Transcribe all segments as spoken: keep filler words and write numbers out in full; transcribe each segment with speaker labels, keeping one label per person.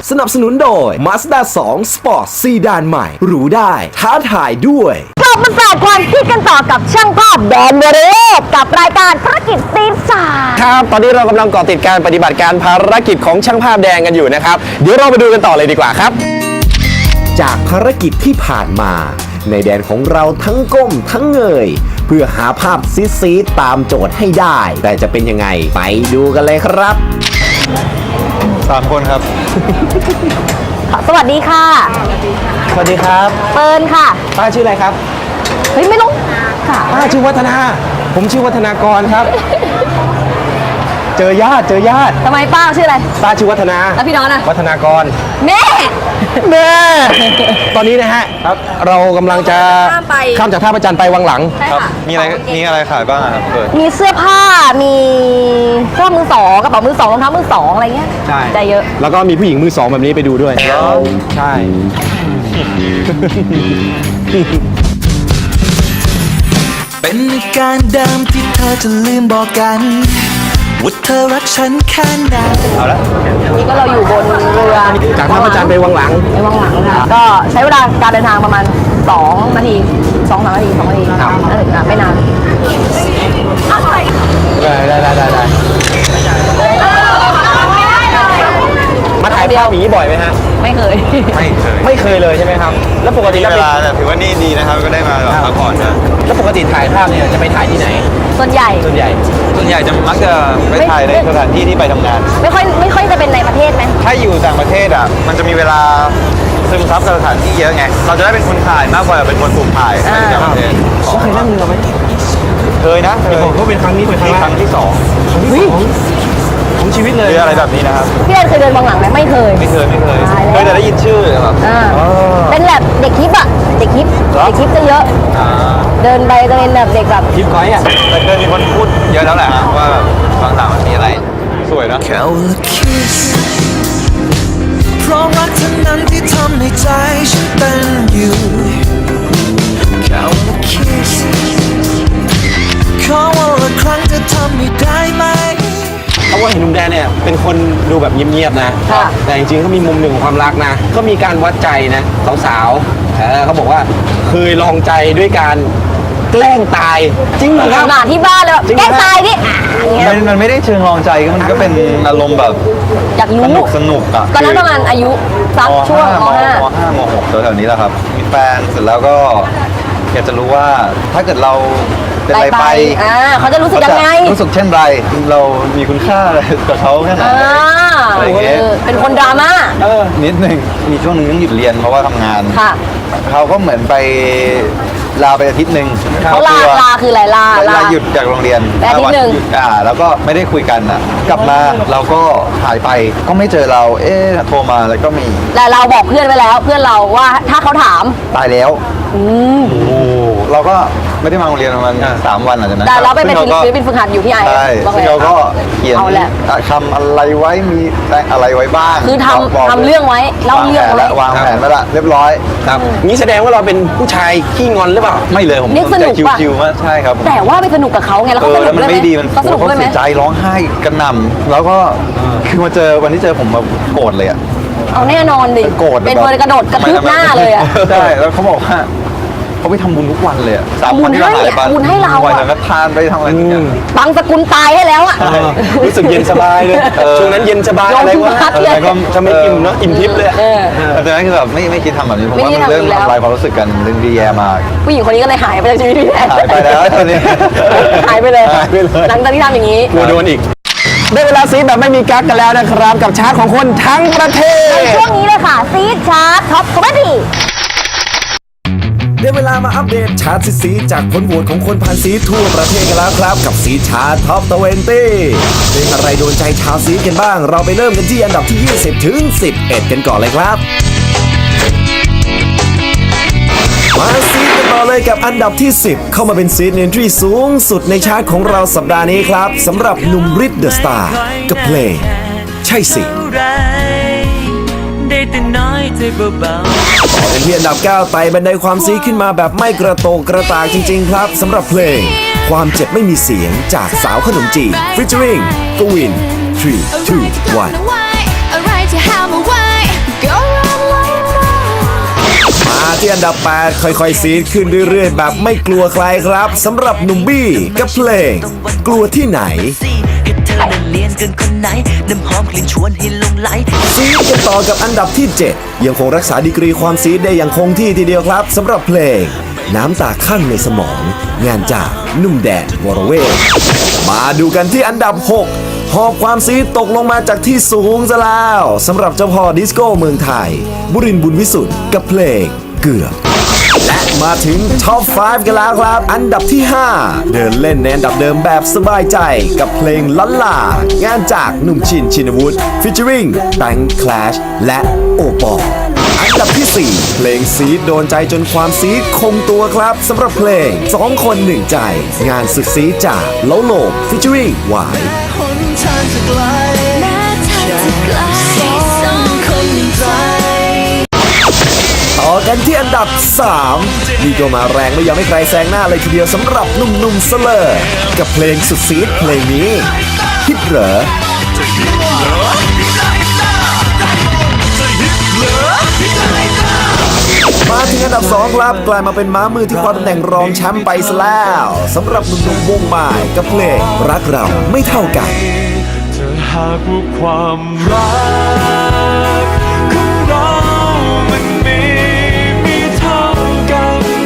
Speaker 1: สนับสนุนโดย Mazda ทู Sport ซีดานใหม่หรูได้ท้าทายด้วย
Speaker 2: กลับมาแสดความคิดกันต่อกับช่างภาพแดนเวเรศกับรายการภารกิจซีดสาม
Speaker 3: ครับตอนนี้เรากำลังเกาะติดการปฏิบัติการภารกิจของช่างภาพแดงกันอยู่นะครับเดี๋ยวเราไปดูกันต่อเลยดีกว่าครับ
Speaker 1: จากภารกิจที่ผ่านมาในแดนของเราทั้งก้มทั้งเงยเพื่อหาภาพซีดๆตามโจทย์ให้ได้แต่จะเป็นยังไงไปดูกันเลยครับ
Speaker 4: สามคนครับ
Speaker 2: สวัสดีค่ะ
Speaker 3: สวัสดีครับ
Speaker 2: เปิลค่ะ
Speaker 3: ป้าชื่ออะไรครับ
Speaker 2: เฮ้ยไม่รู้ค่ะ
Speaker 3: ป้าชื่อวัฒนาผมชื่อวัฒนากรครับ เจอญาติเจอญาติ
Speaker 2: ทำไมป้าชื่ออะไร
Speaker 3: ป้าชื่อวัฒนา
Speaker 2: แล้วพี่น้องนะ
Speaker 3: วัฒนากร
Speaker 2: แม่
Speaker 3: แม่ตอนนี้นะฮะครับเรากำลังจะข้ามจากท่าพระจันทร์ไปวังหลัง
Speaker 4: ครับมีอะไรมีอะไรขายบ้างครับเปิด
Speaker 2: มีเสื้อผ้ามีเสื้อมือสองกระเป๋ามือสองรองเท้ามือสองอะไรเงี้ย
Speaker 3: ใช่
Speaker 2: ใจเยอะ
Speaker 3: แล้วก็มีผู้หญิงมือสองแบบนี้ไปดูด้วยใช่
Speaker 5: เป็นอาการเดิมที่เธอจะลืมบอกกันว่าเธอรักฉันแค่ไหน
Speaker 3: เอาละ
Speaker 2: นี่ก็เราอยู่บนเรือ
Speaker 3: จากท่าพระจันทร์ไปวังหลัง
Speaker 2: ไปวังหลังค่ะก็ใช้เวลาการเดินทางประมาณสองนาทีสองสามนาทีสองนาทีครับน่าถึงไม่นาน
Speaker 3: ได้ได้ได้ได้ได้มาถ่ายภาพอย่างนี้บ่อยไหมฮะ
Speaker 2: ไม่เคย
Speaker 4: ไม่เคย
Speaker 3: ไม่เคยเลยใช่ไหมครับแล้วปกติ
Speaker 4: เวลาถือว่านี่ดีนะครับก็ได้มาแบบพักผ่อนนะ
Speaker 3: แล้วปกติถ่ายภาพเนี่ยจะไปถ่ายที่ไหน
Speaker 2: ส่วนใหญ่
Speaker 3: ส่วนใหญ่
Speaker 4: ส่วนใหญ่จะมักจะไปถ่ายในสถานที่ที่ไปทำงาน
Speaker 2: ไม่ค่อยไม่ค่อยจะเป็นในประเทศไหม
Speaker 4: ถ้าอยู่ต่างประเทศอ่ะมันจะมีเวลาซึมซับกับสถานที่เยอะไงเราจะได้เป็นคนถ่ายมากกว่าเป็นคนถูกถ่ายในต่างประเทศ
Speaker 3: เคยนั่งเรือไหม
Speaker 4: เคยนะเคย
Speaker 3: ผมก็เป็นครั้งนี้เป็นครั้ง
Speaker 4: ครั้งที่สอง
Speaker 3: ของชีวิตเลย
Speaker 4: เรืออะไรแบบนี้นะครับ
Speaker 2: พี่เอ็นเคยเดินวังหลังไหมไม่เคย
Speaker 4: ไม่เคยไม่เคยเคยแต่ได้ยินชื่อแบบ
Speaker 2: เป็นแบบเด็กฮิปอะเด็กฮิปเด็กฮิปจะเยอะเดินไปจะเป็นแบบเด็กแบบ
Speaker 3: ฮิปก้อยอะ
Speaker 4: แต่เคยมีคนพูดเยอะแล้วแหละว่าแบบบางต่างมันมีอะไรสวยนะ
Speaker 5: แค่ว่าคิสเพราะรักเท่านั้นที่ทำให้ใจฉันเต้นอยู่แค่ว่าคิสขอวันละครั้งจะทำให้ได้ไหม
Speaker 3: เขาว่าเห็นหนุ่มแดนเนี่ยเป็นคนดูแบบเงียบๆนะแต่จริงๆเขามีมุมหนึ่งของความรักนะเขามีการวัดใจนะสาวๆเออเขาบอกว่าเคยลองใจด้วยการแกล้งตายจริงเหรอครับ
Speaker 2: หมาที่บ้านเลยแกล้งตายดิ
Speaker 4: มันมันไม่ได้เชิงลองใจมันก็เป็นอารมณ์แบบ
Speaker 2: อยากรู้
Speaker 4: สนุกสนุกอ่ะ
Speaker 2: ตอนนั้นประมาณอายุสักช่วงม.ห้าม
Speaker 4: ห้ามหกแถวๆนี้แหละครับมีแฟนเสร็จแล้วก็อยากจะรู้ว่าถ้าเกิดเราเป็นอะไรไป
Speaker 2: อ่าเขาจะรู้สึกยังไง
Speaker 4: รู้สึกเช่นไรเรามีคุณค่าอะไรกับเขาแค่ไหนอะไรเงี้ย
Speaker 2: เป็นคนดราม่า
Speaker 4: เออนิดนึงมีช่วงนึงต้องหยุดเรียนเพราะว่าทำงาน
Speaker 2: ค่ะ
Speaker 4: เขาก็เหมือนไปลาไปอาทิตย์หนึ่ง
Speaker 2: เขาลาลาคืออะไรลา
Speaker 4: ลาหยุดจากโรงเรียน
Speaker 2: อาทิตย์หนึ่ง
Speaker 4: อ่าแล้วก็ไม่ได้คุยกันอ่ะกลับมาเราก็หายไปก็ไม่เจอเราเอ๊ะโทรมาแล้วก็มี
Speaker 2: แต่เราบอกเพื่อนไว้แล้วเพื่อนเราว่าถ้าเขาถาม
Speaker 4: ตายแล้ว
Speaker 2: อืม
Speaker 4: โอ้เราก็ไม่ได้มาโรงเรียนประมาณสามวันหลังจากนั้น
Speaker 2: แต่เราไปเป็นศิลปินฝึกหัดอยู่ที่ไอ
Speaker 4: ใช่ซึ่งเราก็เขียนคำอะไรไว้มีอะไรไว้บ้าง
Speaker 2: คือทำทำเรื่องไว้เล่าเรื่องไว้
Speaker 4: วางแผนไว้ละเรียบร้อย
Speaker 3: ครับนี่แสดงว่าเราเป็นผู้ชายขี้งอนหรือเปล่า
Speaker 4: ไม่เลยผม
Speaker 2: สนุกป่ะ
Speaker 4: ชิวๆมากใช่ครับ
Speaker 2: แต่ว่าไปสนุกกับเขาไงแล้วเขาสนุกด้วยไหมเขาสนุกด้วยไหม
Speaker 4: เสียใจร้องไห้กันหน่ำแล้วก็คือมาเจอวันที่เจอผมแบบโกรธเลยอ่ะ
Speaker 2: เอาแน่นอนดิ
Speaker 4: โกรธ
Speaker 2: เป็นคนกระโดดกระทืบหน้าเลยอ่ะ
Speaker 4: ใช่แล้วเขาบอกว่าเขาไปทำบุญทุกวันเลยอ่ะ
Speaker 2: สามวันที่เราหายไป
Speaker 4: บุญ
Speaker 2: ให้เรา
Speaker 4: วันนั้นก็ทานไปทำอะไรอย่างเงี้ย
Speaker 2: บางสกุลตายให้แล้วอ่ะ
Speaker 3: รู้สึกเย็นสบายเลยช่วงนั้นเย็นสบายอะไรวะอะไรก็จะไม่อิ่มเนาะอิ่มทิพย์เลย
Speaker 4: แต่นั้นคือแบบไม่ไม่คิดทำแบบนี้ผมว่ามันเรื่องทำลายความรู้สึกกันเรื่องดีแย่มาก
Speaker 2: ผู้หญิงคนนี้ก็เลยหายไปจากชีวิตพี่แอน
Speaker 4: หายไปแล้วตอนนี้
Speaker 2: หายไปเลยหลังจากที่ทำอย่างนี้
Speaker 3: กลัวโดนอีกได้เวลาซีดแบบไม่มีกั๊กกันแล้วนะครับกับชาร์ตของคนทั้งประเทศ
Speaker 2: ในช่วงนี้เลยค่ะซีดชาร์ตท็อปคอมเมดี้
Speaker 1: ได้เวลามาอัปเดตชาร์ตซีดจากผลโหวตของคนพันซีดทั่วประเทศกันแล้วครับกับซีดชาร์ตท็อปยี่สิบเพลงอะไรโดนใจชาวซีดกันบ้างเราไปเริ่มกันที่อันดับที่ยี่สิบถึงสิบเอ็ดกันก่อนเลยครับมาซีดกันต่อเลยกับอันดับที่สิบเข้ามาเป็นซีดเอนทรีสูงสุดในชาร์ตของเราสัปดาห์นี้ครับสำหรับหนุ่มฤทธิ์เดอะสตาร์กับเพลงใช่สิได้แต่น้อยใจเบาๆต่อกันที่อันดับเก้าไต่บันไดความซีขึ้นมาแบบไม่กระโตกกระตากจริงๆครับสำหรับเพลงความเจ็บไม่มีเสียงจากสาวขนมจีน featuring กวิน three two one ที่อันดับแปดค่อยๆซีดขึ้นเรื่อยๆแบบไม่กลัวใครครับสำหรับหนุ่มบี้กับเพลงกลัวที่ไหน
Speaker 6: ให้เธอนั้นเลียนเกินคนไหนน้ำหอมกลิ่นชวนให้หลงไหล
Speaker 1: ซีดกันต่อกับอันดับที่เจ็ดยังคงรักษาดีกรีความซีดได้อย่างคงที่ทีเดียวครับสำหรับเพลงน้ำตาข้างในสมอง งานจากหนุ่มแดนวรเวทมาดูกันที่อันดับหกหอบความซีดตกลงมาจากที่สูงซะแล้วสำหรับเจ้าพ่อดิสโก้เมืองไทย บุรินทร์บุญวิสุทธิ์กับเพลงเกือบและมาถึงท็อปห้ากันแล้วครับ อันดับที่ ห้า เดินเล่นในอันดับเดิมแบบสบายใจกับเพลงลันลางานจากหนุ่มชินชินวุฒิฟิชเจอริงแบงค์คลาชและโอปอลอันดับที่ สี่ เพลงซีดโดนใจจนความซีดคงตัวครับสำหรับเพลงสองคนหนึ่งใจ งานสุดซีดจากโลโลฟิชเจอริงหวาย
Speaker 5: หนทางจะไกล
Speaker 6: แม้ทางจะไกลสองคนหนึ่งใจ
Speaker 1: ต่อกันที่อันดับ สาม นี่ก็มาแรงไม่ยอมให้ใครแซงหน้าเลยทีเดียวสำหรับหนุ่มๆเสลอกับเพลงสุดซีดเพลงนี้ฮิตเหรอมาถึงอันดับสองครับกลายมาเป็นม้ามือที่คว้าตำแหน่งรองแชมป์ไปซะแล้วสำหรับหนุ่มๆวงบ่ายกับเพลงรักเราไม่เท่ากัน
Speaker 5: ถ้าหากว่าความรักของเรามันมีมีเท่ากัน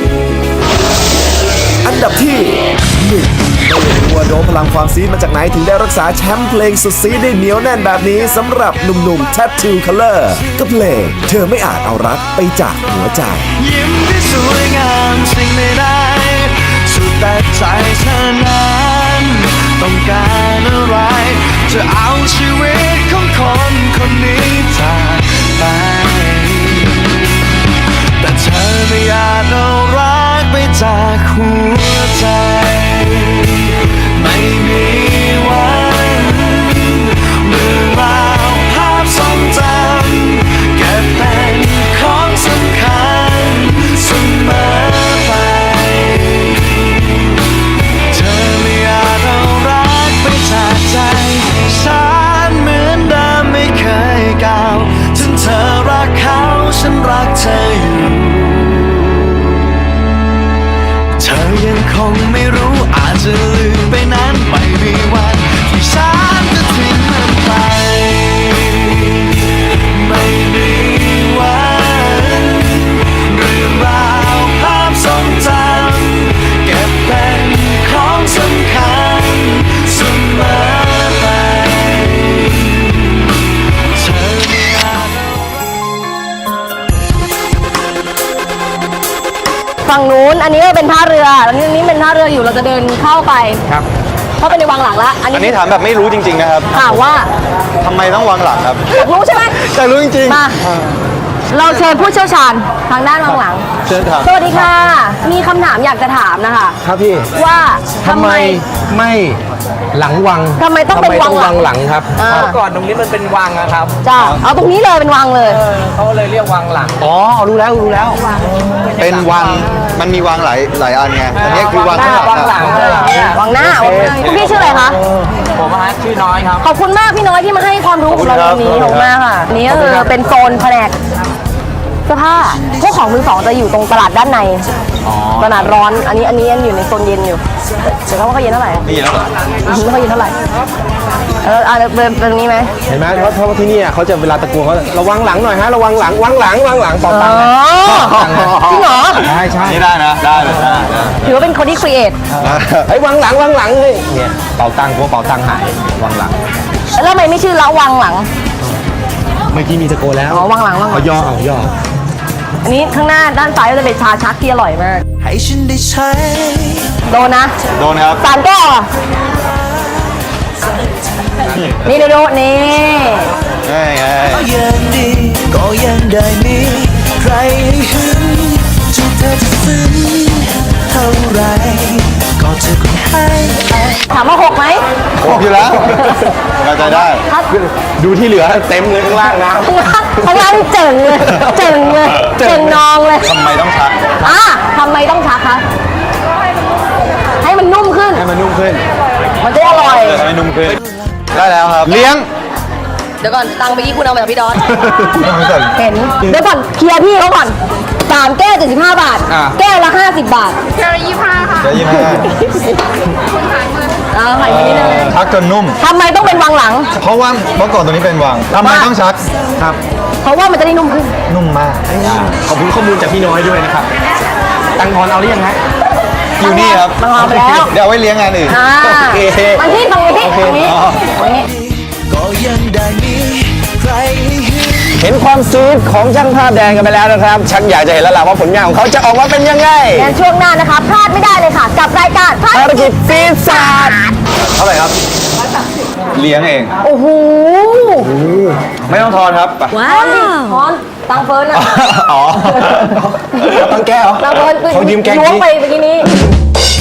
Speaker 1: อันดับที่หนึ่งไม่รู้ว่าโดมพลังความซีดมาจากไหนถึงได้รักษาแชมป์เพลงสุดซีดได้เหนียวแน่นแบบนี้สำหรับหนุ่มๆ Tattoo Color กับเพลงเธอไม่อาจเอารักไปจากหัวใจ
Speaker 5: ยิ้มที่สวยงามสิ่งใดๆสุดแต่ใจเธอนั้นต้องการอะไร จะเอาชีวิตของคนคนนี้จากไป แต่เธอไม่อาจเอารักไปจากหัวใจ ไม่มีวันเมื่อราวภาพทรงจำเก็บเป็นของสำคัญเสมอไป เธอไม่อาจเอารักไปจากใจฉันเหมือนเดิมไม่เคยก้าวถึงเธอรักเขาฉันรักเธออยู่ เธอยังคงไม่รู้อาจจะลืมไปนั้นไม่มีวันที่ฉันจะทิ้งมันไป ไม่มีวันเรื่องราวภาพทรงจำเก็บเป็นของสำคัญเสมอไปเธอไม่อาจ
Speaker 2: ฝั่งนู้นอันนี้ก็เป็นท่าเรือแล้วนี่นี่เป็นท่าเรืออยู่เราจะเดินเข้าไป
Speaker 4: ครับ
Speaker 2: เข้าไปในวังหลังละอัน
Speaker 4: อัน
Speaker 2: นี้
Speaker 4: นี้ถามแบบไม่รู้จริง ๆ นะครับ
Speaker 2: ถามว่า
Speaker 4: ทำไมต้องวางหลังครับ
Speaker 2: อยากรู้ใช่ไหม
Speaker 4: อยากรู้จริง
Speaker 2: มา เราเชิญผู้เชี่ยวชาญทางด้านวังหลัง
Speaker 4: ๆเชิญถาม
Speaker 2: สวัสดีค่ะ มีคำถามอยากจะถามนะคะ
Speaker 3: ครับพี่
Speaker 2: ว่า
Speaker 3: ทำไมไม่หลังวัง
Speaker 2: ทำไมต้องเป็นวังหลัง
Speaker 3: หลังครับ
Speaker 2: อ่า
Speaker 7: เมื่อก่อนตรงนี้มันเป็นวังนะครับ
Speaker 2: จ้าเอาตรงนี้เลยเป็นวังเลย
Speaker 7: เขาเลยเรียกวังหลัง
Speaker 3: อ๋อรู้แล้วรู้แล้ว
Speaker 4: เป็นวัง มันมีวังหลายหลายอันไง อันนี้คือวังข้างหลัง
Speaker 7: วังหลัง
Speaker 4: อะ
Speaker 7: เลยเนี่ย
Speaker 2: วังหน้าวังหน้าคุณพี่ชื่ออะไรคะ
Speaker 7: ผมฮะชื่อน้อยครับ
Speaker 2: ขอบคุณมากพี่น้อยที่มาให้ความรู้กับเราตรงนี้ขอบคุณมากค่ะนี่ก็คือเป็นโซนแผนกเสื้อผ้าพวกของมือสองจะอยู่ตรงตลาดด้านในตลาดร้อน อันนี้อันนี้ยังอยู่ในโซนเย็นอยู่เดี๋ยวเขาว่าเขาเย็นเท่าไหร่
Speaker 4: นี่แล้วเหรอ
Speaker 2: อืมไม่ค่อยเย็นเท่าไหร่เอออ่ะเดินเดินตรงนี้ไหม
Speaker 3: เห็นไหมเพราะเพราะว่าที่นี่เขาจะเวลาตะโกนเขาระวังหลังหน่อยฮะระวังหลังวังหลังวังหลังต่อ
Speaker 2: อ๋
Speaker 3: ตั
Speaker 2: อง
Speaker 3: ค์นะ
Speaker 2: จริงเหรอ
Speaker 3: ใช่ใช่
Speaker 4: นี่ได้นะ ได้เลยได้ได้
Speaker 2: ถือว่าเป็นคนที่ครีเอท
Speaker 3: ไอ้ยวังหลังวังหลังเฮ้ยเนี่ยเป่าตังค์กลัวเป่าตังค์หายวังหลัง
Speaker 2: แล้วทำไมไม่ชื่อละวังหลัง
Speaker 3: เมื่อกี้มีตะโกนแล้ว
Speaker 2: อ๋อวังหลังวังหลัง
Speaker 3: เอาย่อเอาย่อ
Speaker 2: อันนี้ข้างหน้าด้านซ้ายก็จะเป็นชาชักที่อร่อยมาก
Speaker 5: ให้ฉันได้ใช้
Speaker 2: โดนนะ
Speaker 4: โดนครับ
Speaker 2: สามแก้วอ่ะนี่ดูดูนี่
Speaker 4: ง่ายไง
Speaker 5: ก็ยังดีก็ยังได้มีใครให้หึงจุดเธอจะซึ้งเท่าไรก็จะคงให้
Speaker 2: ถามว่าหกไหม
Speaker 4: ครบอยู่แล้วเข้าใจได้
Speaker 2: ถ้า
Speaker 3: ดูที่เหลือเต็มเลยข้างล่างนะ
Speaker 2: ข้างล่างข้างล่างเจ๋งเลยเจ๋งเลยเจ๋งนองเลย
Speaker 4: ทำไมต้องชัก
Speaker 2: อ่ะทำไมต้องชักคะให้มันนุ่มขึ้น
Speaker 3: ให้มันนุ่มขึ้น
Speaker 2: มันจะอร่อย
Speaker 4: ทำไมนุ่มขึ้น ได้แล้วครับ เลี้ยง
Speaker 2: เดี๋ยวก่อนตังค์เมื่อกี้คุณเอามาจากพี่ดอน
Speaker 4: ไม่สน
Speaker 2: เห็นเดี๋ยวก่อนเคลียร์พี่เขาก่อนสามแก้วเจ็ดสิบห้าบาท
Speaker 3: อ่า
Speaker 2: แก้วละห้าสิบบาท
Speaker 4: เดี๋ยวยี่ห้า
Speaker 2: เอาไข่มานิดนึง
Speaker 4: ชักจนนุ่ม
Speaker 2: ทำไมต้องเป็นวังหลัง
Speaker 4: เพราะว่าเมื่อก่อนตัวนี้เป็นวังทำไมต้องชักครับ
Speaker 2: เพราะว่ามันจะได้นุ่มขึ้น
Speaker 4: นุ่มมาก
Speaker 3: ขอบคุณข้อมูลจากพี่น้อยด้วยนะครับ ตังทอนเอาหรือยังฮะ
Speaker 4: อยู่นี่ครับ
Speaker 2: มันเอาไปแล้ว
Speaker 4: เดี๋ยวเอาไว้เลี้ยงงานอื่น
Speaker 2: อ่า
Speaker 3: โอเค
Speaker 2: บางที่ตรงนี้ตรงนี้
Speaker 3: อ๋อ
Speaker 2: ตรงนี้
Speaker 5: ก็ยังได้มีใครให้
Speaker 3: เห็นความซีดของช่างภาพแดงกันไปแล้วนะครับ ชักอยากจะเห็นแล้วล่ะว่าผลงานของเขาจะออกมาเป็นยังไง
Speaker 2: งั้นช่วงหน้านะคะ พลาดไม่ได้เลยค่ะ กับรายการ
Speaker 3: ภารกิจซีดศาสตร์
Speaker 4: เท่าไหร่ครับ เลี้ยงเอง
Speaker 2: โอ้โห
Speaker 4: ไม่ต้องทอนครับไป
Speaker 2: ว้าวพอนตังเฟิร์นอะ
Speaker 3: อ๋อตังแก้ว
Speaker 2: ตังเฟิร์น
Speaker 3: เขายืมแกง
Speaker 2: ล้วง
Speaker 3: จริง
Speaker 2: ไปเมื่อกี้นี้